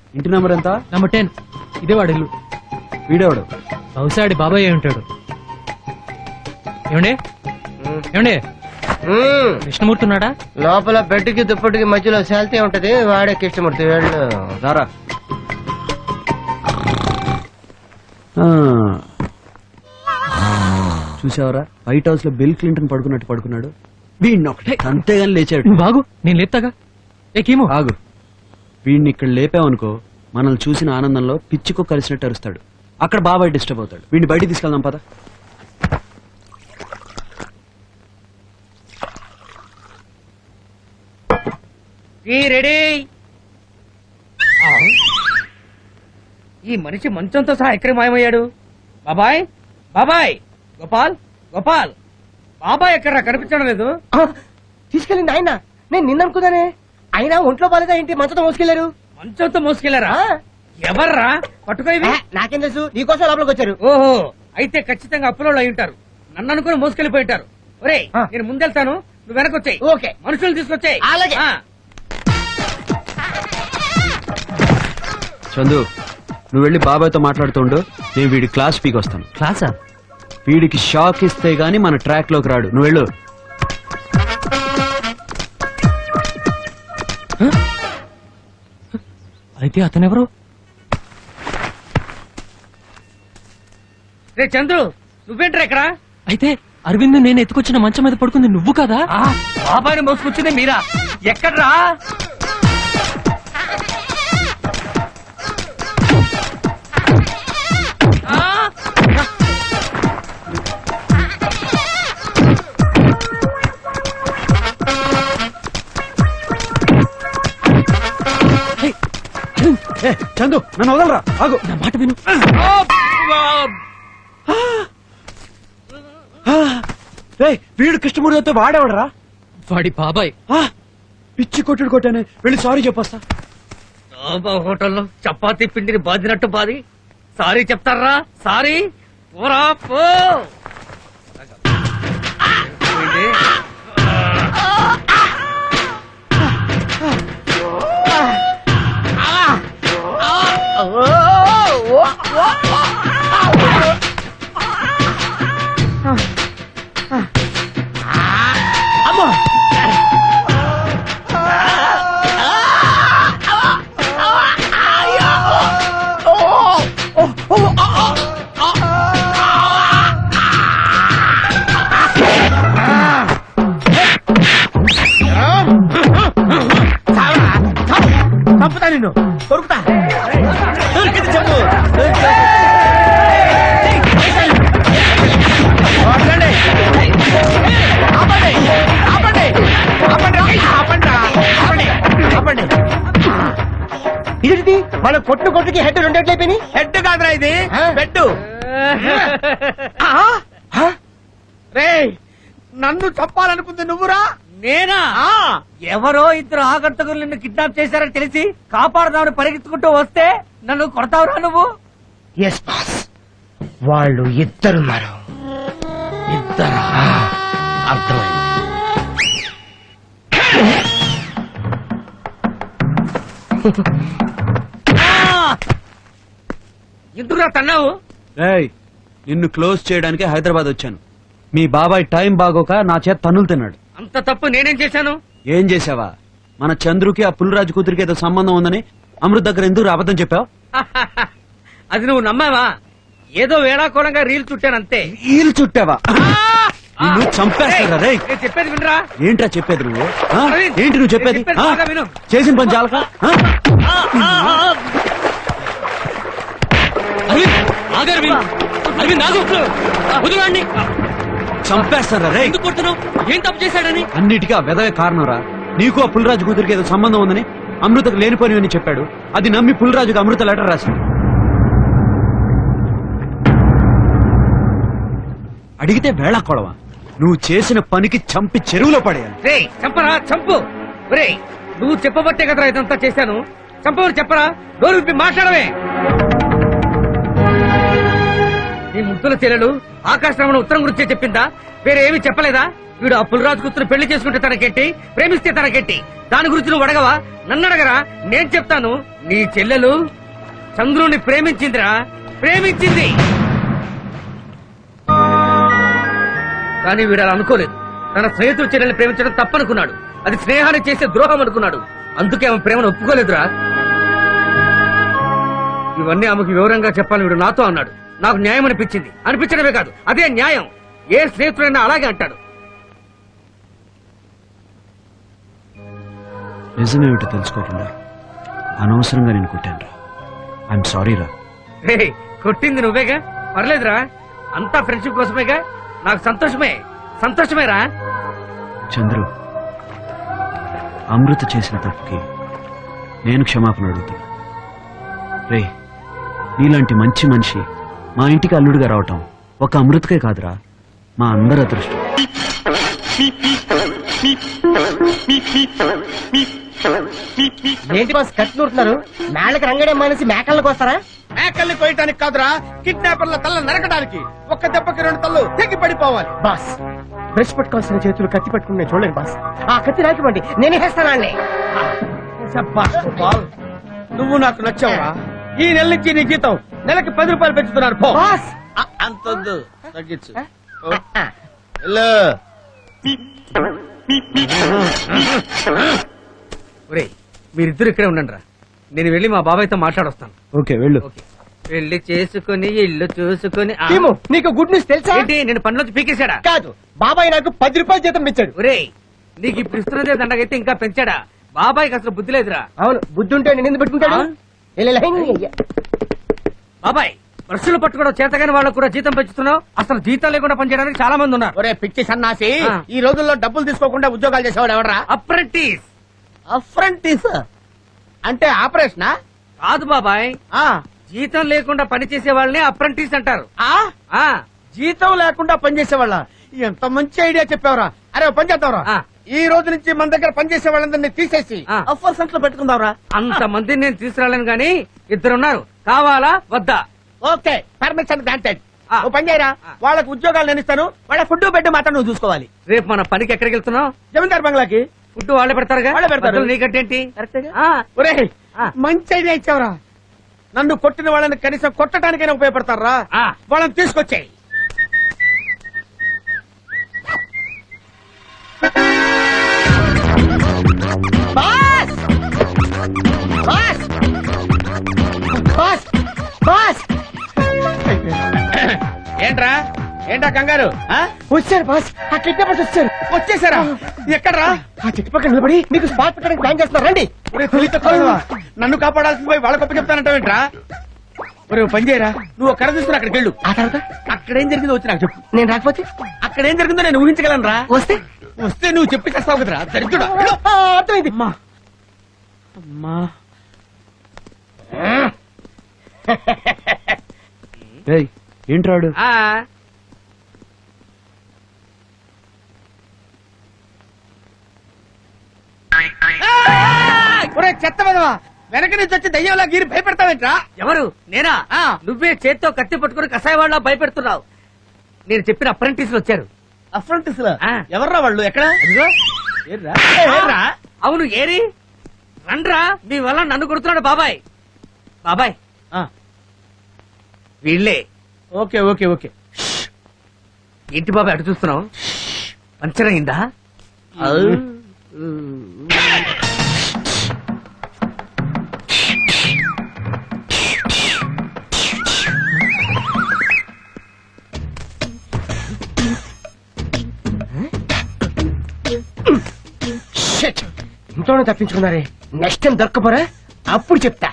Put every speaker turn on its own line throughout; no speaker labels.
ఇంటి నెంబర్ ఎంత?
నెంబర్ 10. ఇదే వాడు ఇల్లు.
వీడేవాడు
బహుశా ఆడి బాబాయ్ అయి ఉంటాడు. ఏమండి ఏమండి కృష్ణమూర్తి ఉన్నాడా?
లోపల బెడ్ కి దుప్పటికి మధ్యలో శాల్తీ ఉంటది, వాడే కృష్ణమూర్తి. వెళ్ళు.
రారా. చూసావరా, వైట్ హౌస్ లో బిల్ క్లింటన్ పడుకున్నట్టు పడుకున్నాడు. వీడిని ఒకటే అంతేగాని లేచాడు.
నువ్వు బాగు, నేను లేపుతాగా. ఏమో
ఆగు. వీడిని ఇక్కడ లేపావనుకో, మనల్ని చూసిన ఆనందంలో పిచ్చికో కలిసినట్టు అరుస్తాడు. అక్కడ బాబాయ్ డిస్టర్బ్ అవుతాడు. వీడిని బయటికి తీసుకెళ్దాం పద.
రెడీ. ఈ మనిషి మంచంతో సహా ఎక్కడికి మాయమయ్యాడు? బాబాయ్, బాబాయ్, గోపాల్, గోపాల్, బాబాయ్ ఎక్కడా కనిపించడం లేదు.
తీసుకెళ్ళింది ఆయన. నేను నిన్ననుకున్నానే. అయినా ఒంట్లో బాలేదా ఏంటి మంచంతో మోసుకెళ్లారు?
మంచంతో మోసుకెళ్లారా? ఎవర్రా పట్టుకో ఇవి?
నాకేం తెలుసు, నీకోసం లోపలికి వచ్చారు.
ఓహో, అయితే ఖచ్చితంగా అప్పులో అయి ఉంటారు. నన్ను అనుకుని మోసుకెళ్లిపోయి ఉంటారు. ఒరేయ్, నేను ముందెళ్తాను, నువ్వు వెనకొచ్చాయి.
ఓకే.
మనుషులు తీసుకొచ్చాయి.
అలాగే.
చందు, నువ్వు వెళ్ళి బాబాయ్తో మాట్లాడుతుండు. నేను వీడి క్లాస్ పీకి వస్తాను.
క్లాసా?
వీడికి షాక్ ఇస్తే గానీ మన ట్రాక్ లోకి రాడు. నువ్వు వెళ్ళు.
అయితే అతనెవరు?
రే చంద్రు, నువ్వేంట్రా ఇక్కడ?
అయితే అరవింద్ నేను ఎత్తుకొచ్చిన మంచం మీద పడుకుంది నువ్వు కదా?
బాబాయ్ని మోసుకొచ్చింది మీరా? ఎక్కడ్రా?
చందు, నన్ను వదలరా. ఆగు.
నా మాట విను.
వీడు కృష్ణమూర్తితో వాడేవాడరా?
వాడి బాబాయ్.
పిచ్చి కొట్టుడు కొట్టానే. వెళ్ళి సారీ చెప్పొస్తా.
హోటల్లో చపాతీ పిండిని బాదినట్టు బాది సారీ చెప్తారా? సారీ పోరా పో.
పంపుతా నిన్ను. దొరుకుతా. దొరికింది చెప్పు. ఇదేంటి మన కొట్టుకి హెడ్ రెండేట్లయిపోయినాయి.
హెడ్ కాదురా ఇది, బెడ్. రే, నన్ను చంపాలనుకుంది నువ్వురా? నేనా? ఎవరో ఇద్దరు ఆగంతకులు నిన్ను కిడ్నాప్ చేశారని తెలిసి కాపాడదామని పరిగెత్తుకుంటూ వస్తే నన్ను కొడతావురా నువ్వు?
ఎస్ బాస్, వాళ్ళు ఇద్దరున్నారు.
ఇద్దరా? అర్థమైంది. ఎందుకురా తన్నావు?
నిన్ను క్లోజ్ చేయడానికి హైదరాబాద్ వచ్చాను. మీ బాబాయ్ టైం బాగోక నా చేత తన్నులు తిన్నాడు.
అంత తప్పు నేనేం చేశాను?
ఏం చేసావా? మన చంద్రుకి ఆ పుల్లరాజు కూతురికి ఏదో సంబంధం ఉందని అమృత్ దగ్గర ఎందుకు అబద్ధం చెప్పావు?
అది నువ్వు నమ్మావా? ఏదో వేళాకోళంగా రీల్ చుట్టానంతే.
ఈలు చుట్టావా? నిన్ను చంపేస్తారా? రే,
నేను చెప్పేది వినరా?
ఏంట్రా చెప్పేది నువ్వు? ఏంటి నువ్వు చెప్పేది?
చెప్పేది బాగా విను.
చేసిన పని చాలక? చంపేస్తారా? రే,
ఎందుకు కొడుతున్నావు? ఏం తప్పు చేశాడని?
అన్నిటికీ ఆ వెదవే కారణంరా. నీకు ఆ పుల్లరాజు కూతురికి ఏదో సంబంధం ఉందని అమృతకు లేనిపోనివని చెప్పాడు. అది నమ్మి పుల్లరాజుకు అమృత లెటర్ రాసింది. అడిగితే వేళా కొడవా? నువ్వు చేసిన పనికి చంపి చెరువులో పడేయాలి.
రే, చంపరా, చంపు. రే, నువ్వు చెప్పబట్టే కదరా ఇదంతా చేశాను. చంపవని చెప్పరా? నోరు విప్పి మాట్లాడవే. నీ ముద్దుల చెల్లెలు ఆకాశరామణ ఉత్తరం గురించే చెప్పిందా? వేరే ఏమీ చెప్పలేదా? వీడు ఆ పుల్లరాజు కూతురు పెళ్లి చేసుకుంటే తనకెట్టి, ప్రేమిస్తే తనకెట్టి, దాని గురించి నువ్వు అడగవా? నన్ను అడగరా, నేను చెప్తాను. నీ చెల్లెలు చంద్రుని ప్రేమించిందిరా, ప్రేమించింది. కానీ వీడు అలా అనుకోలేదు. తన స్నేహితుడు చెల్లెల్ని ప్రేమించడం తప్పనుకున్నాడు. అది స్నేహాన్ని చేసే ద్రోహం అనుకున్నాడు. అందుకే ఆమె ప్రేమను ఒప్పుకోలేదురా. ఇవన్నీ ఆమెకు వివరంగా చెప్పాలని వీడు నాతో అన్నాడు. నాకు న్యాయం అనిపించింది. అనిపించడమే కాదు, అదే న్యాయం. ఏ స్నేహితుడైనా అలాగే అంటాడు.
నిజమేమిటో తెలుసుకోకుండా అనవసరంగా నేను కొట్టాను రా. ఐఎమ్ సారీ రా.
రే, కొట్టింది నువ్వేగా, పర్లేదురా. అంతా ఫ్రెండ్షిప్ కోసమేగా. నాకు సంతోషమేరా.
చంద్రు, అమృత చేసిన తప్పుకి నేను క్షమాపణ అడుగుతాను. రే, నీలాంటి మంచి మనిషి మా ఇంటికి అల్లుడిగా రావటం ఒక అమృతకే కాదురా, మా అందరి అదృష్టం.
ఏంటి బాస్ కత్తి నూరుతున్నారు? మేళ్ళకి రంగడే మానేసి మేకల్ని కోస్తారా?
మేకల్ని కోయటానికి కాదురా, కిడ్నాపర్ల తల్ల నరకడానికి. ఒక్క దెబ్బకి 2 తల్లు తెగి పడిపోవాలి.
బాస్, బ్రష్ పట్టుకోవాల్సిన చేతులు కత్తి పట్టుకుని నేను చూడలేను బాస్. ఆ కత్తి నాకివ్వండి, నేనే వేస్తానండి.
నువ్వు నాకు నచ్చావురా. ఈ నెల నుంచి నీ జీతం నెలకి 10 రూపాయలు పెంచుతున్నారు. పో.
బాస్
అంతొద్దు, తగ్గించు.
ఒరే, మీరిద్దరు ఇక్కడే ఉండండి రా. నేను వెళ్ళి మా బాబాయ్తో మాట్లాడొస్తాను.
ఓకే, వెళ్ళు.
ఓకే. పెళ్లి చేసుకుని ఇల్లు చూసుకుని
టీము, నీకు గుడ్ న్యూస్ తెలుసా?
ఏంటి, నేను పనిలోంచి పీకేశాడా?
కాదు, బాబాయ్ నాకు 10 రూపాయలు జీతం ఇచ్చాడు.
ఒరే, నీకు ఇప్పుడు ఇస్తున్నదే దండగైతే ఇంకా పెంచాడా? బాబాయ్కి అసలు బుద్ధి లేదురా.
అవును, బుద్ధి ఉంటే నేను ఎందుకు పెట్టుకుంటాడు?
ఆ? బాబాయ్, బ్రష్లు పట్టుకోవడం చేతగాని వాళ్ళకు కూడా జీతం పెంచుతున్నావు. అసలు జీతం లేకుండా పనిచేయడానికి చాలా మంది ఉన్నారు.
ఒరే పిచ్చి సన్నాసి,
ఆ.
ఈ రోజుల్లో డబ్బులు తీసుకోకుండా ఉద్యోగాలు చేసేవాడు ఎవడరా?
అప్రెంటిస్.
అప్రెంటిస్ అంటే ఆపరేషనా?
కాదు బాబాయ్,
ఆ.
జీతం లేకుండా పనిచేసే వాళ్ళని అప్రెంటిస్ అంటారు.
ఆ?
ఆ
జీతం లేకుండా పనిచేసేవాళ్ళ? ఎంత మంచి ఐడియా చెప్పావురా. అరే ఓ పని చేద్దాంరా,
ఆ.
ఈ రోజు నుంచి మన దగ్గర పనిచేసే వాళ్ళందరినీ తీసేసి
ఆ.
అఫర్ సెంటర్ లో పెట్టుకుందాంరా.
అంత మందిని నేను తీసుకురాలేను గాని ఇద్దరున్నారు. కావాలా వద్దా?
Okay, permission granted.
ఆ.
ఓ పని చేయరా,
ఆ.
వాళ్ళకి ఉద్యోగాలు నేను ఇస్తాను. వాళ్ళ ఫుడ్ బెడ్ మాత్రం నువ్వు చూసుకోవాలి.
రేపు మన పనికి ఎక్కడికి వెళ్తున్నావు?
జమీందార్ బంగ్లాకి.
ఫుడ్ వాళ్ళే పెడతారుగా.
వాళ్ళే పెడతారు.
మధ్యలో నీకంటేంటి?
కరెక్టేగా?
ఆ.
ఒరే,
ఆ.
మంచి ఐడియా ఇచ్చావురా. నన్ను కొట్టిన వాళ్ళని కనీసం కొట్టడానికైనా ఉపయోగపడతారా?
ఆ.
వాళ్ళని తీసుకొచ్చాయి.
బాస్ బాస్ బాస్ బాస్
ఏంట్రా కంగారు? ఆ?
వచ్చారు బాస్, ఆ కిడ్నాపర్స్ వచ్చారు.
వచ్చేసారా? ఎక్కడ్రా?
ఆ చుట్టుపక్కల నిలబడి మీకు స్పాట్ పెట్టడానికి ప్లాన్ చేస్తున్నారు. రండి.
ఒరే, తెలివి తక్కువా. నన్ను కాపాడాల్సింది పోయి వాళ్ళ గొప్ప చెప్తానంటావేంట్రా? ఒరే, ఓ పని చేయరా, నువ్వు కర్ర తీసుకుని అక్కడికి వెళ్ళు.
ఆ తర్వాత
అక్కడేం జరిగిందో వచ్చి నాకు చెప్పు.
నేను రాకపోతే
అక్కడేం జరిగిందో నేను ఊహించగలను రా.
వస్తే
వస్తే నువ్వు చెప్పి చేస్తావు కదరా, దరిద్రుడా. వెళ్ళు.
ఆ, అర్థమైంది.
అమ్మా.
ఏయ్, ఏంట్రాడు?
ఆ.
ఒరే చెత్త విధవా, వెనక నుంచి వచ్చి దయ్యంలా గీరి భయపెడతావేంట్రా?
ఎవరు? నేనా?
ఆ.
నువ్వే చేత్తో కత్తి పట్టుకుని కషాయ వాళ్ళ భయపెడుతున్నావు. నేను చెప్పిన అప్రెంటిస్లు వచ్చారు.
అఫ్రంటిస్
ఆ.
ఎవర్రా వాళ్ళు? ఎక్కడ?
అదిగో.
ఏర్రా?
ఏరా? అవును, ఏరి రండ్రా. మీ వల్ల నన్ను కొడుతున్నాడు బాబాయ్. బాబాయ్,
ఆ.
వీళ్ళే.
Okay okay okay.
ఏంటి బాబాయ్ అటు చూస్తున్నావు? పంచర్ అయిందా?
షిట్. ఇంట్లోనే తప్పించుకున్నారే. నెక్స్ట్ టైం దొరకపోరా, అప్పుడు చెప్తా.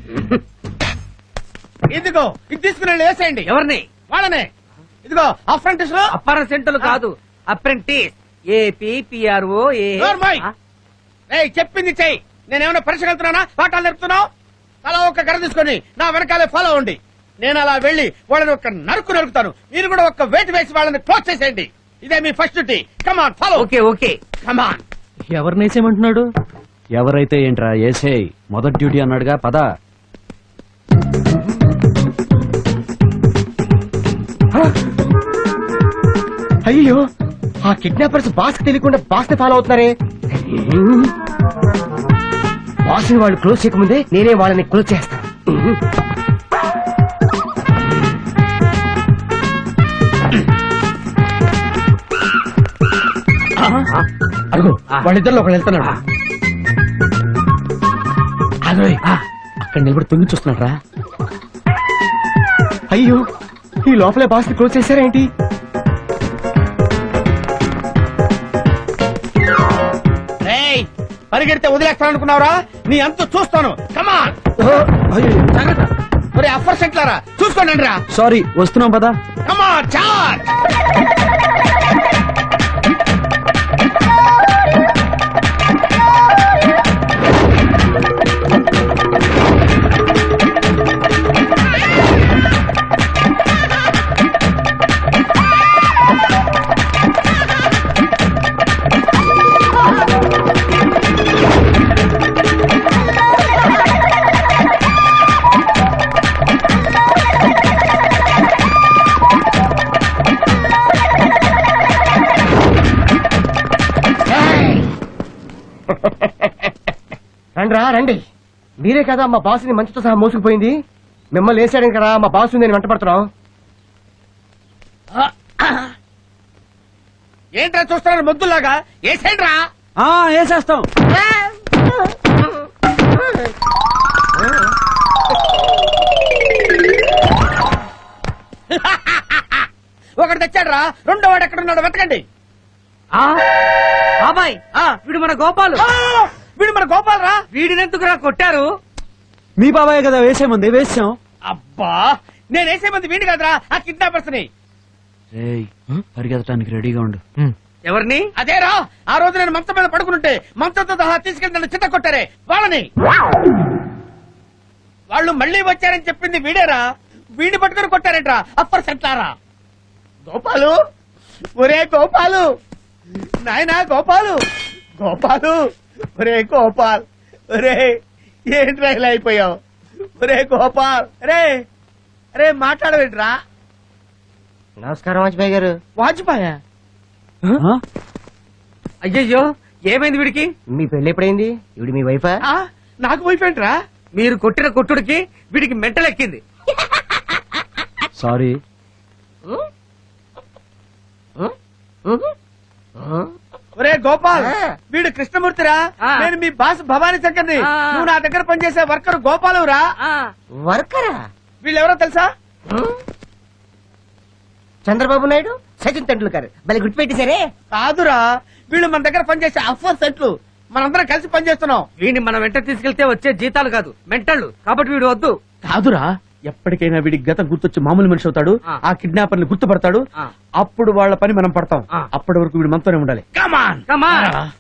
ఇదిగో ఇది తీసుకుని వేసేయండి.
ఎవరిని?
వాళ్ళనే. ఇదిగో అఫ్రంటిస్ లో
అప్పార సెంటర్లు కాదు, అప్రెంటిస్. ఏపీఆర్ఓ.
నోర్మోయ్. ఏయ్, చెప్పింది చెయ్యి. నేనేమైనా పరీక్ష వెళ్తున్నానా, పాఠాలు నేర్పుతున్నావు? అలా ఒక కర్ర తీసుకొని నా వెనకాలే ఫాలో అవ్వండి. నేను అలా వెళ్లి వాళ్ళని ఒక నరుకుతాను. మీరు కూడా ఒక వేటు వేసి వాళ్ళని క్లోజ్ చేసేయండి. ఇదే మీ first duty. Come on follow.
Okay okay.
Come on.
ఎవరినేసేమంటున్నాడు?
ఎవరైతే ఏంట్రా, ఏసేయ్. మొదటి డ్యూటీ అన్నాడుగా, పద.
అయ్యో, ఆ కిడ్నాపర్స్ బాస్ తెలియకుండా బాస్ ని ఫాలో అవుతున్నారే. బాస్ని వాళ్ళు క్లోజ్ చేయకముందే నేనే వాళ్ళని క్లోజ్ చేస్తాను.
అడుగు వాళ్ళిద్దరిలో ఒకళ్ళు వెళ్తున్నాడు. అదోయ్, అక్కడ నిలబడి తొంగి చూస్తున్నాడు రా.
అయ్యో, ఈ లోపలే బాస్ ని క్లోజ్ చేశారేంటి?
పరిగెడితే వదిలేస్తాను అనుకున్నావురా? నీ అంత చూస్తాను. కమాన్, జాగ్రత్త. ఒరే అఫర్ సెంట్లారా, చూసుకోండి రా.
సారీ, వస్తున్నాం పదా.
Come on charge.
రండి రా, రండి. మీరే కదా మా బాస్ని మంచుతో సహా మోసుకుపోయింది. మిమ్మల్ని వేసాడని కదా మా బాస్ నేను వెంట పడుతున్నాం.
ఏంట్రా చూస్తున్నారు మొద్దులాగా? ఏసేంట్రా.
వేసేస్తాం.
ఒకటి తెచ్చాడ్రా, రెండో వాడు ఎక్కడున్నాడు వెతకండి.
బాబాయ్, వీడు మన గోపాలు.
వీడు మన గోపాల్ రా.
వీడినెందుకురా కొట్టారు?
మీ బాబాయ్ కదా వేసేముంది, వేసాం.
అబ్బా, నేను వేసే మంది వీడి కదరా, ఆ కిడ్నాపర్స్ ని.
రేయ్, పరిగెత్తడానికి రెడీగా ఉండు.
ఎవరిని?
అదేరా, ఆ రోజు నేను మంచం మీద పడుకుంటే మంచంతో సహా తీసుకెళ్లి నన్ను చిత్త కొట్టారే వాళ్ళని. వాళ్ళు మళ్ళీ వచ్చారని చెప్పింది వీడేరా. వీడి పట్టుకుని కొట్టారేట్రా అప్పర్ సెంట్లారా. గోపాలు, ఒరే గోపాలు, నాయనా గోపాలు, గోపాలు, ఒరే గోపాల్, ఒరే ఏంట్రా ఇలా అయిపోయావు? ఒరే గోపాల్, రే రే మాట్లాడవేంట్రా?
నమస్కారం వాజ్పేయి గారు.
వాజ్పాయ్
ఆ?
అయ్యయ్యో, ఏమైంది వీడికి?
మీ పెళ్లి ఎప్పుడైంది? ఇవిడి మీ వైఫా?
నాకు వైఫ్ ఏంట్రా?
మీరు కొట్టిన కొట్టుడికి వీడికి మెంటలెక్కింది.
సారీ.
ఒరే గోపాల్,
ఆ.
వీడు కృష్ణమూర్తిరా.
ఆ.
నేను మీ బాస్ భవానీ శంకర్ని.
ఆ.
నువ్వు నా దగ్గర పనిచేసే వర్కర్ గోపాలురా.
వర్కరా?
వీళ్ళెవరో తెలుసా?
చంద్రబాబు నాయుడు, సచిన్ తెండూల్కర్. భలే గుర్తుపెట్టేశారే.
కాదురా, వీళ్ళు మన దగ్గర పనిచేసే అఫర్ సెట్లు. మనందరం కలిసి పనిచేస్తున్నాం.
వీడిని మనం వెంట తీసుకెళ్తే వచ్చే జీతాలు కాదు, మెంటళ్ళు. కాబట్టి వీడు వద్దు.
కాదురా, ఎప్పటికైనా వీడి గతం గుర్తొచ్చి మామూలు మనిషి అవుతాడు.
ఆ.
ఆ కిడ్నాపర్ని గుర్తుపడతాడు.
ఆ.
అప్పుడు వాళ్ళ పని మనం పడతాం.
ఆ.
అప్పటి వరకు వీడు మనతోనే ఉండాలి. కమాన్
కమాన్.